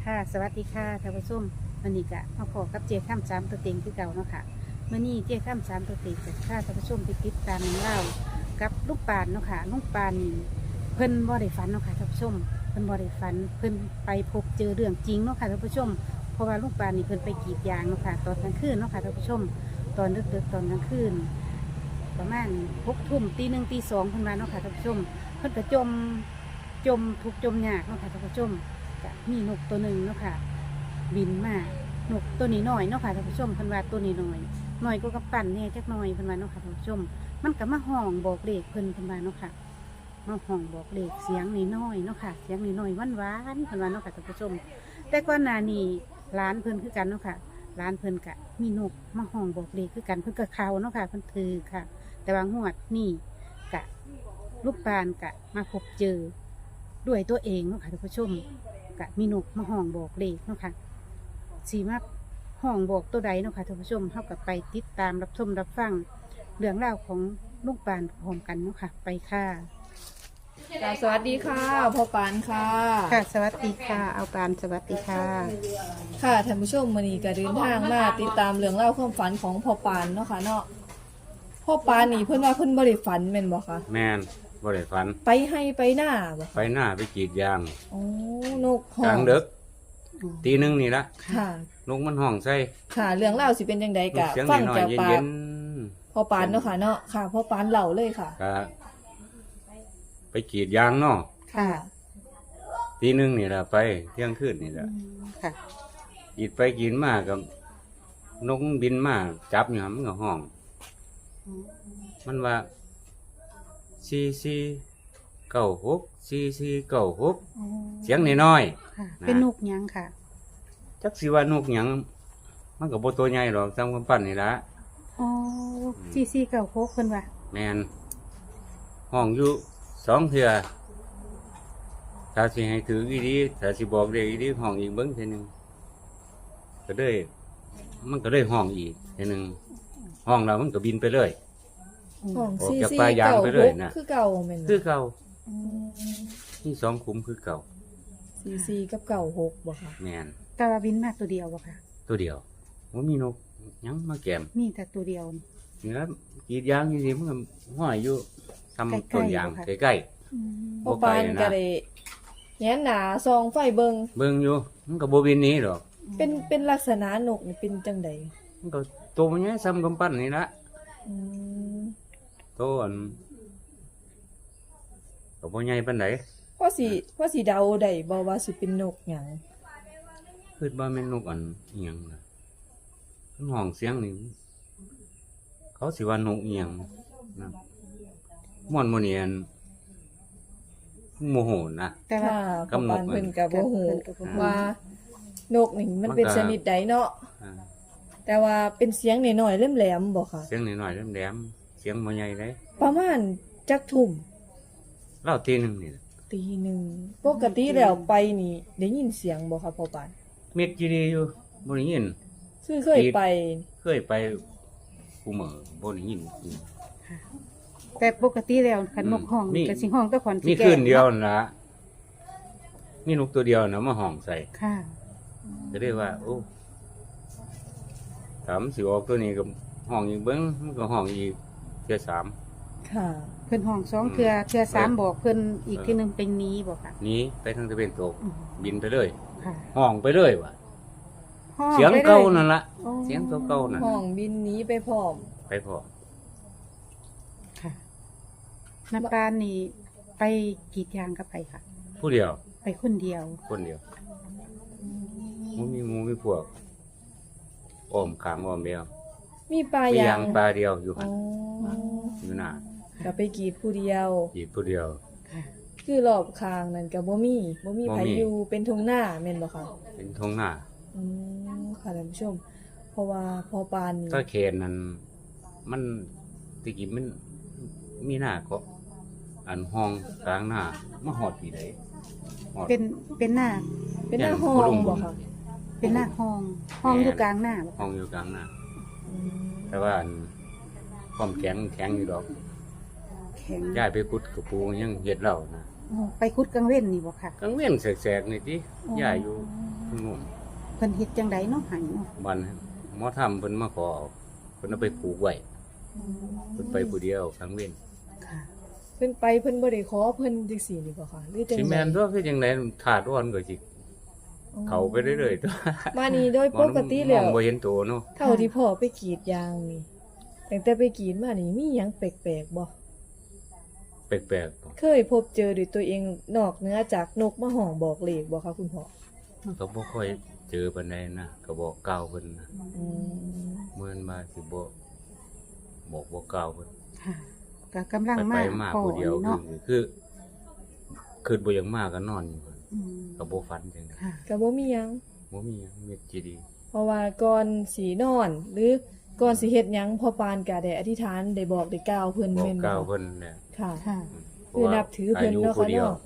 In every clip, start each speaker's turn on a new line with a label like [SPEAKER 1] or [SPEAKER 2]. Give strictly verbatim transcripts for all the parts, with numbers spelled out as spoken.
[SPEAKER 1] ค่ะสวัสดีค่ะท่านผู้ชมวันนี้ก็มาพบกับเจ้าข้ามสามตัวเต็งคือเก่าเนาะค่ะเมื่อนี้เจ้าข้ามสามตัวเต็งจะพาท่านผู้ชมไปติดตามเล่ากับลูกปานเนาะค่ะลูกปานนี่เพิ่นบ่ได้ฝันเนาะค่ะท่านผู้ชมเพิ่นบ่ได้ฝันเพิ่นไปพบเจอเรื่องจริงเนาะค่ะท่านผู้ชมเพราะว่าลูกปานนี่เพิ่นไปกรีดยางเนาะค่ะตอนกลางคืนเนาะค่ะท่านผู้ชมตอนดึกๆตอนกลางคืนประมาณหกทุ่มตีหนึ่งตีสองเพิ่นมาเนาะค่ะท่านผู้ชมเพิ่นก็จมจมทุกจมยากเนาะค่ะท่านผู้ชมก็มีนกตัวหนึ่งเนาะค่ะบินมานกตัวนี้น้อยเนาะค่ะท่านผู้ชมเพิ่นว่าตัวนี้น้อยน้อยก็กระปั่นเนี่ยจักหน่อยเพิ่นว่าเนาะค่ะท่านผู้ชมมันก็มาห้องบอกเลขเพิ่นเพิ่นว่าเนาะค่ะมาห้องบอกเลขเสียงน้อยๆเนาะค่ะเสียงน้อยๆหวานๆเพิ่นว่าเนาะค่ะท่านผู้ชมแต่ก่อนหน้านี้ร้านเพิ่นคือกันเนาะค่ะร้านเพิ่นก็มีนกมาห้องบอกเลขคือกันเพิ่นก็เข้าเนาะค่ะเพิ่นถือค่ะแต่ว่างวดนี่กะลูกปานกะมาพบเจอด้วยตัวเองเนาะค่ะท่านผู้ชมกะมีนกมาห้องบอกเลขเนาะค่ะสีมาห้องบอกตัวใดเนาะค่ะท่านผู้ชมเท่ากับไปติดตามรับชมรับฟังเรื่องราวของลูกปานพร้อมกันเนาะค่ะไปค่ะ
[SPEAKER 2] ค่ะสวัสดีค่ะพ่อปานค่ะ
[SPEAKER 1] ค่ะสวัสดีค่ะเอาปานสวัสดีค่ะ
[SPEAKER 2] ค่ะท่านผู้ชมมื้อนี้ก็เดินทางมาติดตามเรื่องเล่าวความฝันของพ่อปานเนาะค่ะเนาะพ่อปานนี่เพิ่นว่าเพิ่นบ่ได้ฝันแม่นบ่คะ
[SPEAKER 3] แม่นบ่ได้ฝัน
[SPEAKER 2] ไปให้ไปหน้าบ่
[SPEAKER 3] ไปหน้าไปกรีดยาง
[SPEAKER 2] โอ้นกห้อก
[SPEAKER 3] ลาง งดึกตีหนึงนี่ละ
[SPEAKER 2] ค่ะ
[SPEAKER 3] นกมันห้องใส่
[SPEAKER 2] ค่ะเรื่องเล่าวสิเป็นจังได
[SPEAKER 3] น
[SPEAKER 2] ก็
[SPEAKER 3] กเสียง
[SPEAKER 2] ฟัง
[SPEAKER 3] น้อย
[SPEAKER 2] จาก
[SPEAKER 3] ๆ
[SPEAKER 2] ปา
[SPEAKER 3] เย็
[SPEAKER 2] ก
[SPEAKER 3] น
[SPEAKER 2] พ่อปานเนาะค่ะเนาะค่ะพ่อปานเล่าเลยค่ะ
[SPEAKER 3] ๆก็ไปกรีดยางเนาะ
[SPEAKER 1] ค่ะ
[SPEAKER 3] ตีหนึงนี่ละไปเที่ยงคืนนี่ละ
[SPEAKER 1] ค่ะ
[SPEAKER 3] กรีดไปกรีดมากับนกบินมาจับอยู่หั่นมันก็ห้อง มันว่าสี่สี่เก้าหกสี่สี่เก้าหกเสียงน้อย
[SPEAKER 1] ค่ะ เป็นนกหยังค่ะ
[SPEAKER 3] ๆจักสิว่านกหยังมันก็บ่ตัวใหญ่หรอกซ้ำกำปั้นนี่ละ
[SPEAKER 1] อ๋อซีซีเก่าโคกเพิ่นว่า
[SPEAKER 3] แมนห้องอยู่สองเทื่อถ้าสิให้ถืออีดีถ้าสิบอกเด็กอีดีห้องอีกเบิ้งเทีนึงก็ได้มันก็ได้ห้องอีกเทีนึงห้องเรามันก็บินไปเลย
[SPEAKER 2] ห้อง
[SPEAKER 3] ออก
[SPEAKER 2] ซี
[SPEAKER 3] จาก
[SPEAKER 2] ซี
[SPEAKER 3] ป่ายาง
[SPEAKER 2] เก่า
[SPEAKER 3] ไป
[SPEAKER 2] ห
[SPEAKER 3] เลย
[SPEAKER 2] ก
[SPEAKER 3] นะ
[SPEAKER 2] คือเก่าแม่น
[SPEAKER 3] คือเก่า
[SPEAKER 2] อืม
[SPEAKER 3] นี่สองคุ้มคือเก่า
[SPEAKER 2] ซีซีกับเก่าหกบ่ค่ะ
[SPEAKER 3] แมน
[SPEAKER 1] แต่ว่าบินมาตัวเดียวบ่ค่ะ
[SPEAKER 3] ตัวเดียวว่ามีนกหยังมาแกม
[SPEAKER 1] มีแต่ตัวเดียวนี่
[SPEAKER 3] เนื้อกรีดยางอยู่ดีมันก็ห้อยอยู่ทำต้นยาง
[SPEAKER 1] ใกล้ๆ
[SPEAKER 3] ใกล้
[SPEAKER 1] อืม
[SPEAKER 2] พ่อปานก็ได้แง้นหนาซองไฟเบิง
[SPEAKER 3] ๆเบิ่งอยู่มันก็บ่บินหนี้หรอก
[SPEAKER 2] เป็นเป็นลักษณะนกนี่เป็นจังใด
[SPEAKER 3] มันก็ตัวมันใหญ่ซ้ำกำปั้นนี่ละ
[SPEAKER 2] อืม
[SPEAKER 3] ตัวอันก็บ่ใหญ่ปานใด
[SPEAKER 2] ว่าสิว่าสิเดาได้บ่ว่าสิเป็นนกหยัง
[SPEAKER 3] คิดว่าแม่นนกอันอิหยังล่ะมันห้องเสียงนี่เขาสิว่านกอิหยังนะม่อนโมเนียนโมโหนะ
[SPEAKER 1] แต่ว่า
[SPEAKER 2] ค่ะ
[SPEAKER 3] กำหน
[SPEAKER 2] ปา
[SPEAKER 3] ด
[SPEAKER 2] น
[SPEAKER 3] มัน
[SPEAKER 2] เพิ่นก็บ่ฮู้
[SPEAKER 1] เพิ่นก็บ่ฮู้
[SPEAKER 2] ว่านกนี่มันเป็น
[SPEAKER 3] มันก็
[SPEAKER 2] ชนิดใดเนาะ
[SPEAKER 3] อ่า
[SPEAKER 2] แต่ว่าเป็นเสียงน้อยๆแหลมๆบ่ค่ะ
[SPEAKER 3] เสียงน้อยๆแหลมๆเสียงบ่ใหญ่เลย
[SPEAKER 2] ประมาณจักทุ่ม
[SPEAKER 3] เล่าทีหนึงนี่ล่ะ
[SPEAKER 2] ตีหนึ่งปกติแล้วไปนี่ได้ยินเสียงบ่ค่ะพ่อปาน
[SPEAKER 3] เม็ดจีดีอยู่บ่ได้ยิน
[SPEAKER 2] คือเคยไป
[SPEAKER 3] เคยไปกูเหมอบ่ได้ยิน
[SPEAKER 1] แต่ปกติแล้วคันนกห้อง
[SPEAKER 3] มี
[SPEAKER 1] ก็สิห้องแต่ขอน
[SPEAKER 3] มี
[SPEAKER 1] แก่
[SPEAKER 3] คืนเดียวนั่นล่ะมีนกตัวเดียวนะมาห้องใส่
[SPEAKER 1] ค่ะ
[SPEAKER 3] ก็ได้ว่า โอ้ถามสิออกตัวนี้กับห้องอีกเบิ้งมันก็ห้องอีกเทื่อสาม
[SPEAKER 2] ค่ะ
[SPEAKER 1] เพิ่นห้องสองเทื่อเทื่อสาม
[SPEAKER 3] เออ
[SPEAKER 1] บอกเพิ่นอีกทีหนึงเป็นหนี้บ่ค่ะ
[SPEAKER 3] หนี้ไปทางตะเวนตก
[SPEAKER 1] อืม
[SPEAKER 3] บินไปเลย
[SPEAKER 1] ค่ะ
[SPEAKER 3] ห้องไปเลยว่ะ
[SPEAKER 1] ห้อ
[SPEAKER 3] เสียง
[SPEAKER 1] ได้ล
[SPEAKER 3] เก่านั่นละ
[SPEAKER 1] โอ้
[SPEAKER 3] เสียงตัวเก่านั่น
[SPEAKER 2] ห้อ
[SPEAKER 3] น่ะ
[SPEAKER 2] งบินหนี้ไปพร้อม
[SPEAKER 3] ไปพอ
[SPEAKER 1] ค่ะน้ำปานนี่ไปกรีดยางก็ไปค่ะ
[SPEAKER 3] ผู้เดียว
[SPEAKER 1] ไปคนเดียว
[SPEAKER 3] คนเดียวมันมีหมูมีพวกอ้อมขางอ้อมเดียว
[SPEAKER 2] มีปลา
[SPEAKER 3] มี
[SPEAKER 2] ยาย
[SPEAKER 3] าง งปลาเดียวอยู่
[SPEAKER 2] อ๋
[SPEAKER 3] หั
[SPEAKER 2] อน
[SPEAKER 3] อยู่หน้า
[SPEAKER 2] ก็ไปกรีดผู้เดียว
[SPEAKER 3] อีกผู้เดียว
[SPEAKER 1] ค่ะ
[SPEAKER 2] คือรอบข้างนั่นก็บ่มีบ่มี
[SPEAKER 3] บ่
[SPEAKER 2] ไผ
[SPEAKER 3] มี
[SPEAKER 2] อยู่เป็นทุ่งนาแม่นบ่คะ
[SPEAKER 3] เป็นทงหน้า
[SPEAKER 2] อืมค่ะท่านผู้ชม เพราะว่าพอปานนี่
[SPEAKER 3] ถ้าเขนนั้นมันตะกี้มันมีหน้าก็อันห้องกลางหน้ามาหอดปีไหนหอด
[SPEAKER 1] เป็นเป็นหน้า
[SPEAKER 2] เป็นหน้าห้อ
[SPEAKER 3] ผู้ลุ
[SPEAKER 2] ง
[SPEAKER 3] ง
[SPEAKER 2] บ่คะ
[SPEAKER 1] เป็นหน้าห้อง ห้องอยู่กลางหน้าบ่
[SPEAKER 3] ห้องอยู่กลางหน้า
[SPEAKER 2] อืม
[SPEAKER 3] แต่ว่าอันความแข็งแข็งอยู่ดอก
[SPEAKER 1] แข็ง
[SPEAKER 3] ย้ายไปกุดกับปูยังเฮ็ดเหล่านะ
[SPEAKER 1] อ๋อไปคุดกลางเว้นนี่บ่ค่ะ
[SPEAKER 3] กลางเว้นแสกๆนี่ติย้ายอยู่งง
[SPEAKER 1] เพิ่นเฮ็ดจังไดเนาะใหายเนาะ
[SPEAKER 3] บันหมอทำเพิ่นมาขอเอาเพิ่นเอาไปผูกไว้เพิ่นไปผู้เดียวครั้งเว้น
[SPEAKER 1] ค่ะ
[SPEAKER 2] เพิ่นไปเพิ่นบ่ได้ขอเพิ่นจังซี่นี่บ่ค่ะหรือจัง
[SPEAKER 3] สิ
[SPEAKER 2] ได
[SPEAKER 3] แม่นตัวคือจังได๋ถาดอ่อนก็สิเข้าไปเรื่อยๆตัว
[SPEAKER 2] มานี่โดยปกติแล้ว
[SPEAKER 3] มองบ่เห็นตัวเนาะ
[SPEAKER 2] เท่าที่พ่อไปกรีดยางนี่ตั้งแต่ไปกรีดมานี่มีหยังแปลกๆบ่
[SPEAKER 3] แปลกๆบ่
[SPEAKER 2] เคยพบเจอด้วยตัวเองนอกเหนือจากนกมาห้องบอกเลขบ่คะคุณพ่อ
[SPEAKER 3] ก็บ่ค่อยเจอปานใดนะก็บอกกล่าวเพิ่นนะ
[SPEAKER 2] อืม
[SPEAKER 3] เหมือนมาสิบ่บอกบ่กล่าวเพิ่น
[SPEAKER 1] ค่ะก็กำลัง
[SPEAKER 3] ไป
[SPEAKER 1] มา
[SPEAKER 3] ไปมา
[SPEAKER 1] พอ
[SPEAKER 3] ผู้เดียว
[SPEAKER 1] นี่เนาะ
[SPEAKER 3] คือคือบ่อยากมาก็นอนอยู่
[SPEAKER 1] อืม
[SPEAKER 3] ก็บ่ฝันจังได๋
[SPEAKER 1] ค่ะ
[SPEAKER 2] ก็บ่มีหยัง
[SPEAKER 3] บ่มีหยังมีจีดี
[SPEAKER 2] เพราะว่าก่อนสินอน หรือก่อนสิเฮ็ดหยังพ่อปานก็ได้อธิษฐานได้บอกได้กล่าวเพิ่น
[SPEAKER 3] บอก
[SPEAKER 2] แม่น
[SPEAKER 3] กล่าว
[SPEAKER 2] บ่
[SPEAKER 3] เพิ่นแหละ
[SPEAKER 2] ค่ะ
[SPEAKER 1] ค่ะ
[SPEAKER 2] คือนับถือเพิ่นเนาะค่ะเนาะ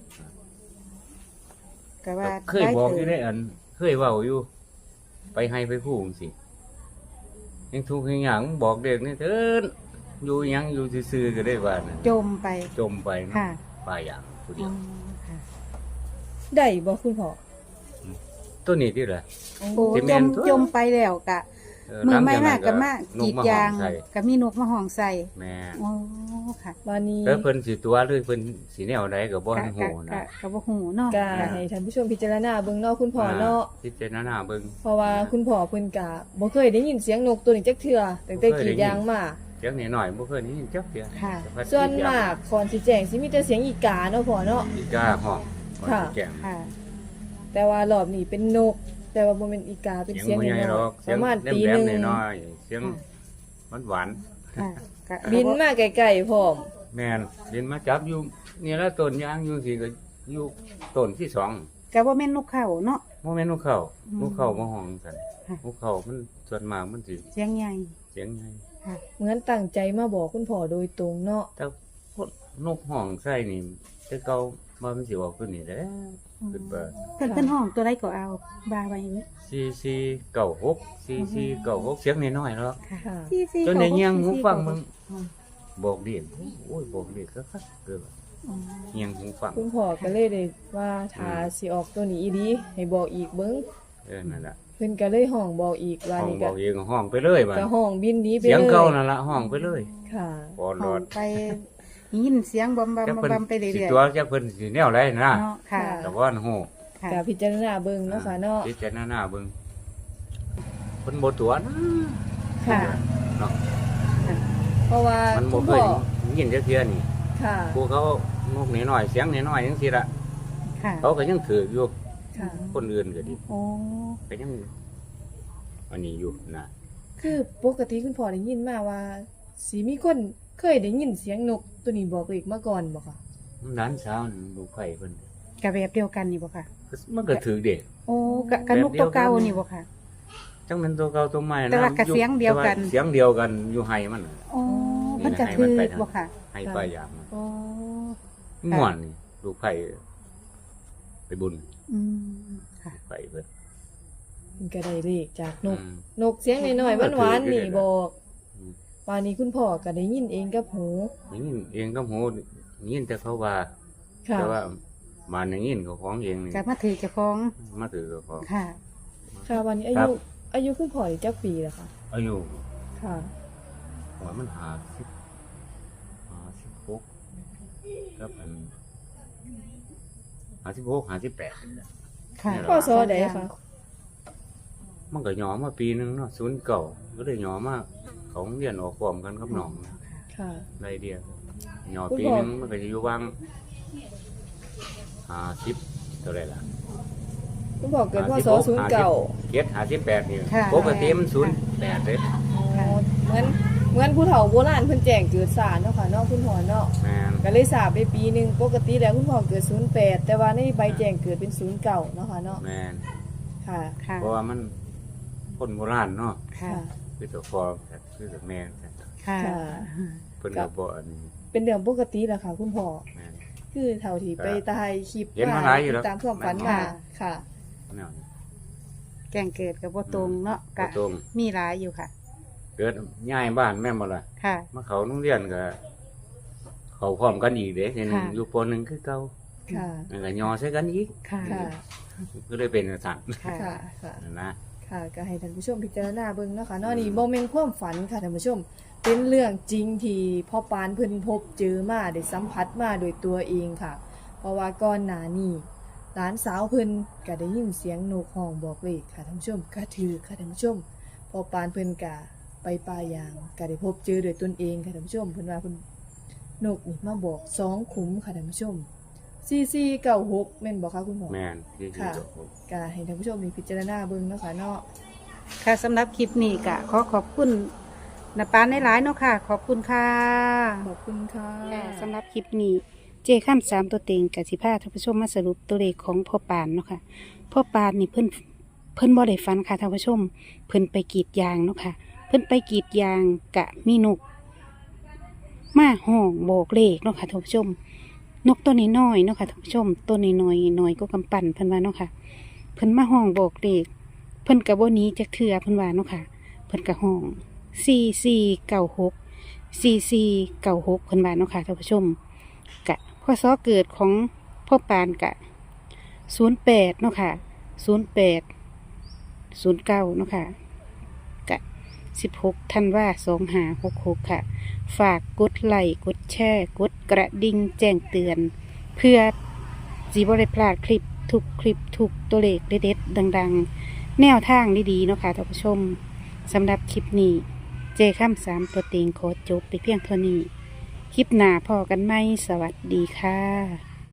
[SPEAKER 1] ก็ว่า
[SPEAKER 3] เคยบอกอยู่ในอัน เคยเว้าอยู่ ไปให้ไปพูดจังซี่ยังทุกข์ยังหยังบอกเด็กนี่เถินอยู่หยังอยู่ซื่อๆก็ได้ว่านะ
[SPEAKER 1] จมไป
[SPEAKER 3] จมไปเนาะ
[SPEAKER 1] ค่ะ
[SPEAKER 3] ปลายอย่างผู้เดี
[SPEAKER 1] อ๋
[SPEAKER 3] ย
[SPEAKER 1] อ
[SPEAKER 3] ว
[SPEAKER 1] ค่ะ
[SPEAKER 2] ได้บ่คุณพ่อ
[SPEAKER 3] ตัวนี้ที่ละ
[SPEAKER 1] โอ้
[SPEAKER 3] ที่
[SPEAKER 1] จ
[SPEAKER 3] แม่
[SPEAKER 1] ม
[SPEAKER 3] นตัว
[SPEAKER 1] จมไปแล้วกะ
[SPEAKER 3] เออ
[SPEAKER 1] มือไม่
[SPEAKER 3] หลั
[SPEAKER 1] มาง ก
[SPEAKER 3] จ
[SPEAKER 1] ก็
[SPEAKER 3] นั้น
[SPEAKER 1] มากรีด
[SPEAKER 3] น
[SPEAKER 1] ยาง
[SPEAKER 3] มห้อใส่
[SPEAKER 1] ก็มีนกมาห้องใส่
[SPEAKER 3] แม่
[SPEAKER 1] โอ้ค่ะ
[SPEAKER 2] วันนี้
[SPEAKER 3] แล้วเพิ่นสิตัวหรือเพิ่นสิแนวใดก็บ่
[SPEAKER 1] กะ
[SPEAKER 3] ทัน
[SPEAKER 1] กะ
[SPEAKER 3] ฮู้
[SPEAKER 1] กะ
[SPEAKER 3] นะ
[SPEAKER 1] กะบ่ฮู้เนาะ
[SPEAKER 2] ก็ให้ท่านผู้ชมพิจารณาเบิ่งเนาะคุณพ่อเนาะ
[SPEAKER 3] พิจารณาเบิ่ง
[SPEAKER 2] เพราะว่าคุณพ่อเพิ่นก็บ่เคยได้ยินเสียงนกตัวนี้จักเทื่อตั้งแต่กรีดยางมา
[SPEAKER 3] เสียงนิดหน่อยบ่เคยได้ยินจักเทื่อ
[SPEAKER 1] ค่ะ
[SPEAKER 3] แต่
[SPEAKER 2] ส่วนมากก่อนสิแจ้งสิมีแต่เสียงอีกาเนาะพ่อเนาะ
[SPEAKER 3] อีกาห้อง
[SPEAKER 2] ค่ะ
[SPEAKER 3] แก่ง
[SPEAKER 1] ค่ะ
[SPEAKER 2] แต่ว่ารอบนี้เป็นนก แต่ว่าบ่แม่นอีกาเป็น
[SPEAKER 3] เสียง
[SPEAKER 2] เสียง
[SPEAKER 3] บ่ใหญ่
[SPEAKER 2] น้
[SPEAKER 3] หร
[SPEAKER 2] อ
[SPEAKER 3] อย ก
[SPEAKER 2] ๆป
[SPEAKER 3] เสียง
[SPEAKER 2] ระมาณ
[SPEAKER 3] แหล
[SPEAKER 2] ตี
[SPEAKER 3] ม
[SPEAKER 2] หนึง
[SPEAKER 3] ๆน้อยๆเสียงหวาน
[SPEAKER 1] ค่ะกะ
[SPEAKER 2] บินมาไกลๆพร้อม
[SPEAKER 3] ๆแม่นบินมาจับอยู่นี่ละต้นยางอยู่สิก็อยู่ต้นที่สอง
[SPEAKER 1] กะบ่แม่นนกเขาเนาะ
[SPEAKER 3] บ่แม่นนกเขา
[SPEAKER 1] อืม
[SPEAKER 3] นกเขามาห้องกัน
[SPEAKER 1] ค่ะ
[SPEAKER 3] นกเขามันส่วนมากมันสิ
[SPEAKER 1] เสียงใหญ่
[SPEAKER 3] เสียงใหญ่
[SPEAKER 1] ค่ะ
[SPEAKER 2] เหมือนตั้งใจมาบอกคุณพ่อโดยตรงเนาะ
[SPEAKER 3] แต่พวกนกห้องใส่นี่แต่เก่ามามันสิออกตัวนี้แหล้วขึ้นไป
[SPEAKER 1] เพิ่นเพิ่นห้องตัวใดก็เอาบาไว้นี่
[SPEAKER 3] สี่สี่เก้าหกสี่สี่เก้าหกเสียงน้อยๆเนาะ
[SPEAKER 1] ค่ะ
[SPEAKER 2] ค่ะ
[SPEAKER 1] สี่สี่
[SPEAKER 3] จนในเงียงหูฟัง
[SPEAKER 1] ห
[SPEAKER 3] มึ
[SPEAKER 1] ก
[SPEAKER 3] ง
[SPEAKER 1] อ๋อ
[SPEAKER 3] บอกเรียนโอ้ยบอกเรียนก็คักเกิน
[SPEAKER 1] อ๋อ
[SPEAKER 3] เงียงหูฟัง
[SPEAKER 2] คุณพ่อก็เลยได้ว่าถ้าสิออกตัวนี้อีดีให้บอกอีกเบิ่ง
[SPEAKER 3] เออนั่นแหละ
[SPEAKER 2] เพิ่นก็เลยห้องบอกอีกว่า
[SPEAKER 3] ห้อง
[SPEAKER 2] นี่
[SPEAKER 3] บ
[SPEAKER 2] ก็
[SPEAKER 3] อกเองห้องไปเลยบ้า
[SPEAKER 2] ก็ห้องบินหนี้ไป
[SPEAKER 3] เสียง
[SPEAKER 2] เลย
[SPEAKER 3] เก่านั่นละห้องไปเลย
[SPEAKER 2] ค่ะ
[SPEAKER 3] ปอหล
[SPEAKER 1] ห้อ
[SPEAKER 3] อง ด
[SPEAKER 1] ไปยินเสียงบอมบอม
[SPEAKER 3] จัก
[SPEAKER 1] บอม
[SPEAKER 3] เพิ่น
[SPEAKER 1] บอมไปเรื่
[SPEAKER 3] สิ
[SPEAKER 1] อย
[SPEAKER 3] ตัวจักเพิ่นสิแนวไรนะ
[SPEAKER 1] ๆเนาะค่ะ
[SPEAKER 3] แต่ว่าโห
[SPEAKER 1] ค่ะ
[SPEAKER 2] ก็พิจารณาเบิ่งเนาะค่ะเนาะ
[SPEAKER 3] พิจารณาเบิ่งเพิ่นบ่ตัวนะ
[SPEAKER 2] ค่ะ
[SPEAKER 3] เนาะ
[SPEAKER 2] เพราะว่า
[SPEAKER 3] มัน
[SPEAKER 2] คุ
[SPEAKER 3] บ่
[SPEAKER 2] ณ
[SPEAKER 3] เค
[SPEAKER 2] พ่
[SPEAKER 3] ย
[SPEAKER 2] อ
[SPEAKER 3] ยินจักเทื่อนี่
[SPEAKER 2] ค่ะ
[SPEAKER 3] ผู้เขานกน้อยๆเสียงน้อยๆจังซี่ล่ะ
[SPEAKER 1] ค่ะ
[SPEAKER 3] เขาก็ยังถืออยู่
[SPEAKER 2] ค่ะ
[SPEAKER 3] คนอื่นก็ดี
[SPEAKER 1] โอ้
[SPEAKER 3] ก็ยังอันนี้อยู่นะ
[SPEAKER 2] คือปกติคุณพ่อได้ยินมาว่าสิมีคนเคยได้ยินเสียงนกตัวนี้บอกเลขมาก่อนบ่ค่ะ
[SPEAKER 3] ร้านเช้านี่ลูกไผ่เพิ่น
[SPEAKER 1] กะแบบเดียวกันนี่บ่ค่ะ
[SPEAKER 3] มันก็ถือเด็ก
[SPEAKER 1] โอ้กะกะนกตัวเก่านี่บ่ค่ะ
[SPEAKER 3] จังมันตัวเก่าตัวใหม่นะ
[SPEAKER 1] แต่ว่าก็เสียงเดียวกัน
[SPEAKER 3] แต่าเสียงเดียวกันอยู่ไห้มันน่ะ
[SPEAKER 1] โอ้มันก็คือบ่ค่ะ
[SPEAKER 3] ไห้ปลายอย่างมัน
[SPEAKER 1] โอ้
[SPEAKER 3] ม่วนนี่ลูกไผ่ไปบุญ
[SPEAKER 1] อืมค่ะ
[SPEAKER 3] ลูกไผ่เพิ่น
[SPEAKER 2] มันก็ได้เลขจากนก
[SPEAKER 3] อืม
[SPEAKER 2] นกเสียงน้อยๆหวานๆนี่บอก
[SPEAKER 3] อืม
[SPEAKER 2] ว่านี้คุณพ่อก็ได้ยินเองกับหู
[SPEAKER 3] อย่างนี้เองก็โหยินแต่เขาว่า
[SPEAKER 2] ค่ะ
[SPEAKER 3] แต่ว่ามาอย่างนี้เขาของเองนี่
[SPEAKER 1] กะมาถือเจ้าของ
[SPEAKER 3] มาถือเขาของ
[SPEAKER 1] ค่ะ
[SPEAKER 2] ค่ะวันนี้อา
[SPEAKER 3] ครั
[SPEAKER 2] ยุ
[SPEAKER 3] บ
[SPEAKER 2] อายุคุณพ่อนี่จักปีแล้วค่ะ
[SPEAKER 3] อายุ
[SPEAKER 2] ค่ะ
[SPEAKER 3] หัวมันหาสิบหาสิบหกครับอันหาสิบหกหาสิบแปด
[SPEAKER 1] ค่ะ
[SPEAKER 3] นี่แหละ
[SPEAKER 2] พ่อซอใดคะ
[SPEAKER 3] มันก็หยอมาปีหนึงเนาะศูนย์เก่าก็เลยหยอมาเขาเรียนออกพร้อมกันกับน้องนะ
[SPEAKER 2] ค่ะ
[SPEAKER 3] ไรเดียวหยอ
[SPEAKER 2] คุณ
[SPEAKER 3] ปี
[SPEAKER 2] พ่อ
[SPEAKER 3] หนึงมันก็จะอยู่วางหาสิบเท่าไรล่ะ
[SPEAKER 2] คุณพ่อเกิดพ
[SPEAKER 3] ห้าสิบ
[SPEAKER 2] ศ
[SPEAKER 3] หก
[SPEAKER 2] ศูนย์เก้า
[SPEAKER 3] เจ็ดหาสิบแปดนี่
[SPEAKER 1] ค่ะ
[SPEAKER 3] ปกติมันศูนย์แปดเลย
[SPEAKER 2] เหมือนเหมือนผู้เฒ่าโบราณเพิ่นแจ้งเกิดสารเนาะค่ะเนาะคุณพ่อเนาะ
[SPEAKER 3] แมน
[SPEAKER 2] ก็เลยทราบไปปีหนึงปกติแล้วคุณพ่อเกิดศูนย์แปดแต่ว่าในใบแจ้งเกิดเป็นศูนย์เก้าเนาะค่ะเนาะ
[SPEAKER 3] แมน
[SPEAKER 2] ค่ะ
[SPEAKER 1] ค่ะ
[SPEAKER 3] เพราะว่ามันคนโบราณเนาะ
[SPEAKER 1] ค่ะ
[SPEAKER 3] คือตัวฟอคือตัวแม่
[SPEAKER 1] ค่ะ
[SPEAKER 2] ค่ะ
[SPEAKER 3] เพิ่นก็บ่อันนี้
[SPEAKER 2] เป็นเรื่องปกติแหละค่ะ คุณพ่อ
[SPEAKER 3] แมน
[SPEAKER 2] คือเท่าที่ไปตายคลิป
[SPEAKER 3] เห็นมาหลายอยู่แล้ว
[SPEAKER 2] ตามความฝันมาค่ะ
[SPEAKER 3] แนวนี้
[SPEAKER 1] แกงเกิดกับบ่ตรงเนาะ
[SPEAKER 3] บ่
[SPEAKER 1] กะ
[SPEAKER 3] ตรง
[SPEAKER 1] มีหลายอยู่ค่ะ
[SPEAKER 3] เกิดย้ายบ้านแม่นบ่ล่ะ
[SPEAKER 1] ค่ะ
[SPEAKER 3] มาเขาโรงเรียนก็เขาพร้อมกันอีกเด้ทีหนึง
[SPEAKER 1] ค่ะ
[SPEAKER 3] อยู่ปหนึ่งคือเก่า
[SPEAKER 2] ค่ะ
[SPEAKER 3] แล้วก็ยอใส่กันอีก
[SPEAKER 1] ค่ะ
[SPEAKER 2] ค่ะ
[SPEAKER 3] ก็เลยเป็นสั่น
[SPEAKER 1] ค่ะ
[SPEAKER 2] ค่ะค่ะ
[SPEAKER 3] นะ
[SPEAKER 2] ค่ะก็ให้ท่านผู้ชมพิจารณาเบิ่งเนาะค่ะเนาะนี่บ่แม่นความฝันค่ะท่านผู้ชม เป็นเรื่องจริงที่พ่อปานเพิ่นพบเจอมาได้สัมผัสมาโดยตัวเองค่ะ เพราะว่าก่อนหน้านี้หลานสาวเพิ่นก็ได้ยินเสียงนกฮ้องบอกเลขค่ะท่านผู้ชมก็ถือค่ะท่านผู้ชมพ่อปานเพิ่นก็ไปป่ายางก็ได้พบเจอด้วยตนเองค่ะท่านผู้ชมเพิ่นว่าเพิ่นนกนี่มาบอกสองขุมค่ะท่านผู้ชมสี่สี่เก้าหกแม่นบ่คะคุณหมอ
[SPEAKER 3] แม่นที่
[SPEAKER 2] ค่ะ
[SPEAKER 3] ที่ผม
[SPEAKER 2] ก็ให้ท่านผู้ชมมีพิจารณาเบิ่งเนาะค่ะเนาะ
[SPEAKER 1] ค่ะสำหรับคลิปนี้ก็ขอขอบคุณนาปานในหลายๆเนาะค่ะ ขอบคุณค่ะ
[SPEAKER 2] ขอบคุณค่ะ
[SPEAKER 1] ค่ะสำหรับคลิปนี้เจข้ามสามตัวเต็งกับสิพาท่านผู้ชมมาสรุปตัวเลขของพ่อปานเนาะค่ะพ่อปานนี่เพิ่นเพิ่นบ่ได้ฝันค่ะท่านผู้ชม เพิ่นไปกรีดยางเนาะค่ะ เพิ่นไปกรีดยางกะมีนกมาห้องโบกเลขเนาะค่ะท่านผู้ชม นกตัวนี้น้อยๆเนาะค่ะท่านผู้ชมตัวนี้น้อยน้อยก็กำปั้นเพิ่นว่าเนาะค่ะ เพิ่นมาห้องโบกเลขเพิ่นกะบ่หนีจักเทื่อเพิ่นว่าเนาะค่ะ เพิ่นกะห้องสี่สี่เก้าหกสี่สี่เก้าหกเพิ่นว่าเนาะค่ะท่านผู้ชม กะพศเกิดของพ่อปานกะศูนย์แปดเนาะค่ะศูนย์แปดศูนย์เก้าเนาะค่ะกะสิบหกธันวาสองหาหกหกค่ะ ฝากกดไลค์กดแชร์กดกระดิ่งแจ้งเตือน เพื่อจีบริพลาดคลิปทุกคลิปทุกตัวเลขเด็ดๆดังๆ แนวทางดีๆเนาะค่ะท่านผู้ชมสำหรับคลิปนี้เจข้ามสามตัวเต็งขอจบไปเพียงเท่านี้ คลิปหน้าพอกันไหมสวัสดีค่ะ